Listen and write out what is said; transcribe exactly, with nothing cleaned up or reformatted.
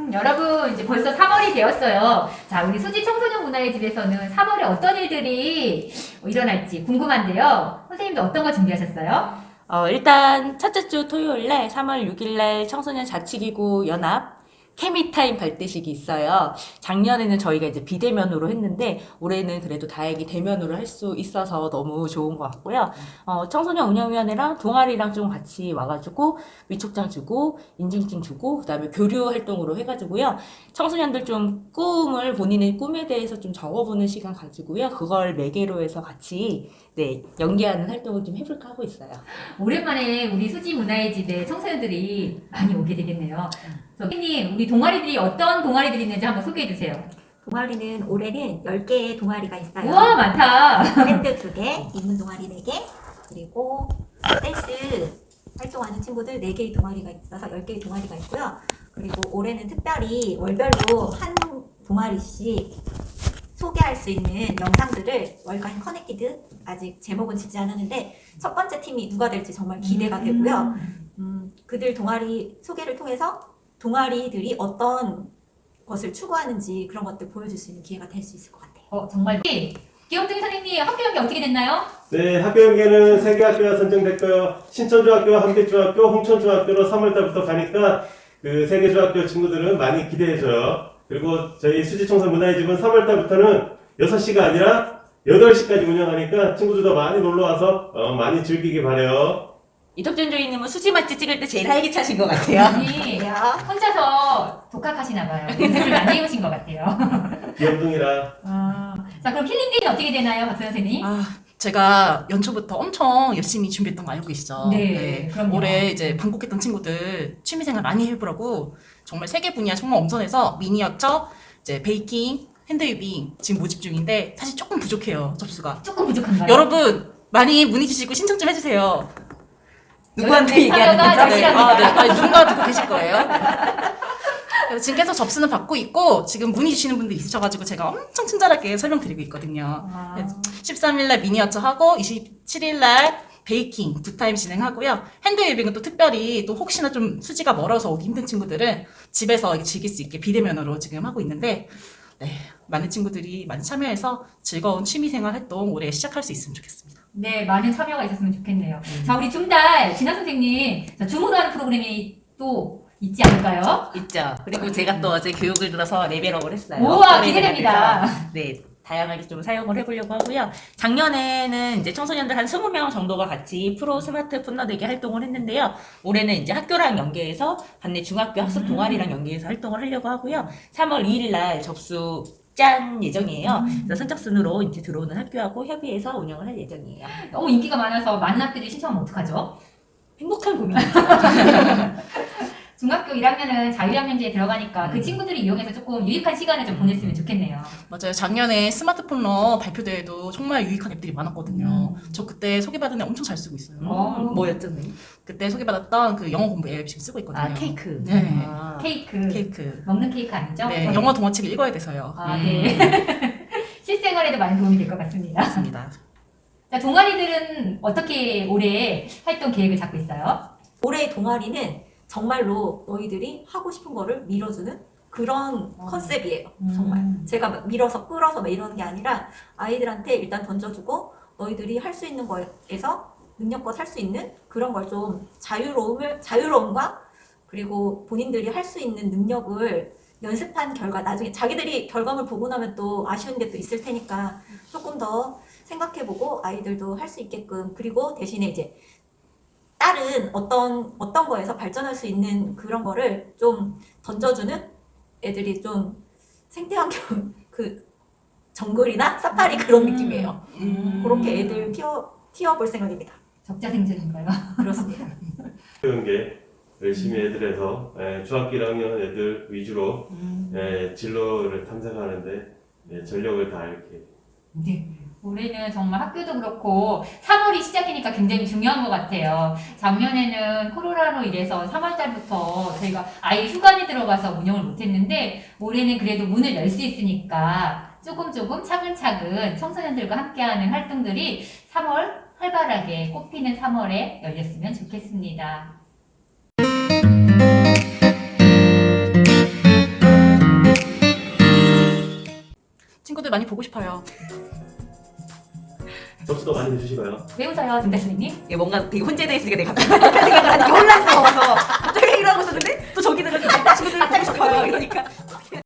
여러분 이제 벌써 삼월이 되었어요. 자, 우리 수지 청소년 문화의 집에서는 삼월에 어떤 일들이 일어날지 궁금한데요. 선생님도 어떤 거 준비하셨어요? 어, 일단 첫째 주 토요일날 삼월 육일날 청소년 자치기구 연합 케미타임 발대식이 있어요. 작년에는 저희가 이제 비대면으로 했는데 올해는 그래도 다행히 대면으로 할 수 있어서 너무 좋은 것 같고요. 어, 청소년 운영위원회랑 동아리랑 좀 같이 와가지고 위촉장 주고 인증증 주고 그다음에 교류 활동으로 해가지고요. 청소년들 좀 꿈을 본인의 꿈에 대해서 좀 적어보는 시간 가지고요. 그걸 매개로 해서 같이 네 연계하는 활동을 좀 해볼까 하고 있어요. 오랜만에 우리 수지 문화의 집에 청소년들이 많이 오게 되겠네요. 선생님, 우리 동아리들이 어떤 동아리들이 있는지 한번 소개해 주세요. 동아리는 올해는 열 개의 동아리가 있어요. 우와, 많다. 밴드 두 개, 인문 동아리 네 개, 그리고 댄스 활동하는 친구들 네 개의 동아리가 있어서 열 개의 동아리가 있고요. 그리고 올해는 특별히 월별로 한 동아리씩 소개할 수 있는 영상들을 월간 커넥티드, 아직 제목은 짓지 않았는데 첫 번째 팀이 누가 될지 정말 기대가 되고요. 음, 그들 동아리 소개를 통해서 동아리들이 어떤 것을 추구하는지 그런 것들 보여줄 수 있는 기회가 될 수 있을 것 같아요. 어, 정말. 기영둥이 선생님, 학교 연계 어떻게 됐나요? 네, 학교 연계는 세 개 학교가 선정됐고요. 신천중학교, 함께중학교, 홍천중학교로 삼월 달부터 가니까 그 세 개 중학교 친구들은 많이 기대해줘요. 그리고 저희 수지청소 문화의 집은 삼월 달부터는 여섯 시가 아니라 여덟 시까지 운영하니까 친구들도 많이 놀러와서 어, 많이 즐기기 바래요. 이덕준 조이님은 수지 맛집 찍을 때 제일 활기차신 것 같아요. 아니, 혼자서 독학하시나 봐요. 연습을 많이 해오신 것 같아요. 귀염둥이라. 아, 자, 그럼 힐링데이는 어떻게 되나요, 박수 선생님? 아, 제가 연초부터 엄청 열심히 준비했던 거 알고 계시죠? 네, 그럼요. 올해 이제 방콕했던 친구들 취미생활 많이 해보라고 정말 세 개 분야 정말 엄선해서 미니어처, 이제 베이킹, 핸드위빙 지금 모집 중인데 사실 조금 부족해요, 접수가. 조금 부족한가요? 여러분 많이 문의 주시고 신청 좀 해주세요. 누구한테 여러분, 얘기하는 참여가 거죠? 네, 절실합니다. 아, 네. 아니, 누군가 듣고 계실 거예요. 그래서 지금 계속 접수는 받고 있고 지금 문의 주시는 분들 있으셔가지고 제가 엄청 친절하게 설명드리고 있거든요. 아, 십삼일날 미니어처 하고 이십칠일날 베이킹 두 타임 진행하고요. 핸드웨이빙은 또 특별히 또 혹시나 좀 수지가 멀어서 오기 힘든 친구들은 집에서 즐길 수 있게 비대면으로 지금 하고 있는데 네, 많은 친구들이 많이 참여해서 즐거운 취미생활 활동 올해 시작할 수 있으면 좋겠습니다. 네, 많은 참여가 있었으면 좋겠네요. 자, 우리 중달 진아 선생님, 자, 줌으로 하는 프로그램이 또 있지 않을까요? 있죠. 그리고 제가 또 어제 교육을 들어서 레벨업을 했어요. 우와, 기대됩니다. 네, 다양하게 좀 사용을 해보려고 하고요. 작년에는 이제 청소년들 한 스무 명 정도가 같이 프로 스마트 풋너대기 활동을 했는데요. 올해는 이제 학교랑 연계해서 반내 중학교 학습 동아리랑 연계해서 활동을 하려고 하고요. 삼월 이일 날 접수 짠 예정이에요. 그래서 선착순으로 이제 들어오는 학교하고 협의해서 운영을 할 예정이에요. 너무 인기가 많아서 많은 학교들이 신청하면 어떡하죠? 행복한 고민이죠. 중학교 일 학년은 자율학년제에 들어가니까 그 친구들이 이용해서 조금 유익한 시간을 좀 보냈으면 좋겠네요. 맞아요. 작년에 스마트폰러 발표대회도 정말 유익한 앱들이 많았거든요. 저 그때 소개받은 애 엄청 잘 쓰고 있어요. 어, 뭐였죠, 네? 그때 소개받았던 그 영어 공부 앱 지금 쓰고 있거든요. 아, 케이크. 네. 아. 케이크. 케이크. 먹는 케이크 아니죠? 네, 영어 동화책을 읽어야 돼서요. 아, 네. 실생활에도 많이 도움이 될 것 같습니다. 맞습니다. 자, 동아리들은 어떻게 올해 활동 계획을 잡고 있어요? 올해의 동아리는 정말로 너희들이 하고 싶은 거를 밀어주는 그런 어. 컨셉이에요. 음. 정말 제가 막 밀어서 끌어서 막 이러는 게 아니라 아이들한테 일단 던져주고 너희들이 할 수 있는 거에서 능력껏 할 수 있는 그런 걸 좀 자유로움을 자유로움과 그리고 본인들이 할 수 있는 능력을 연습한 결과 나중에 자기들이 결과물 보고 나면 또 아쉬운 게 또 있을 테니까 조금 더 생각해보고 아이들도 할 수 있게끔 그리고 대신에 이제 다른 어떤 어떤 거에서 발전할 수 있는 그런 거를 좀 던져주는 애들이 좀 생태환경 그 정글이나 사파리 그런 음. 느낌이에요. 음. 그렇게 애들 키워 키워볼 생각입니다. 적자생존인가요? 그렇습니다. 연계 열심히 애들에서 예, 중학교 일 학년 애들 위주로 예, 진로를 탐색하는데 예, 전력을 다 이렇게. 네. 올해는 정말 학교도 그렇고 삼월이 시작이니까 굉장히 중요한 것 같아요. 작년에는 코로나로 인해서 삼월 달부터 저희가 아예 휴관에 들어가서 운영을 못했는데 올해는 그래도 문을 열 수 있으니까 조금 조금 차근차근 청소년들과 함께하는 활동들이 삼월 활발하게 꽃피는 삼월에 열렸으면 좋겠습니다. 친구들 많이 보고 싶어요. 접수도 많이 해주시고요. 왜 웃어요, 김 대표님? 이게 뭔가 되게 혼재돼 있으니까 내가 갑자기 생각을 하니까 혼란스러워서 갑자기 이러고 있었는데 또 저기들은 친구들 갑자기 접어요. 이러니까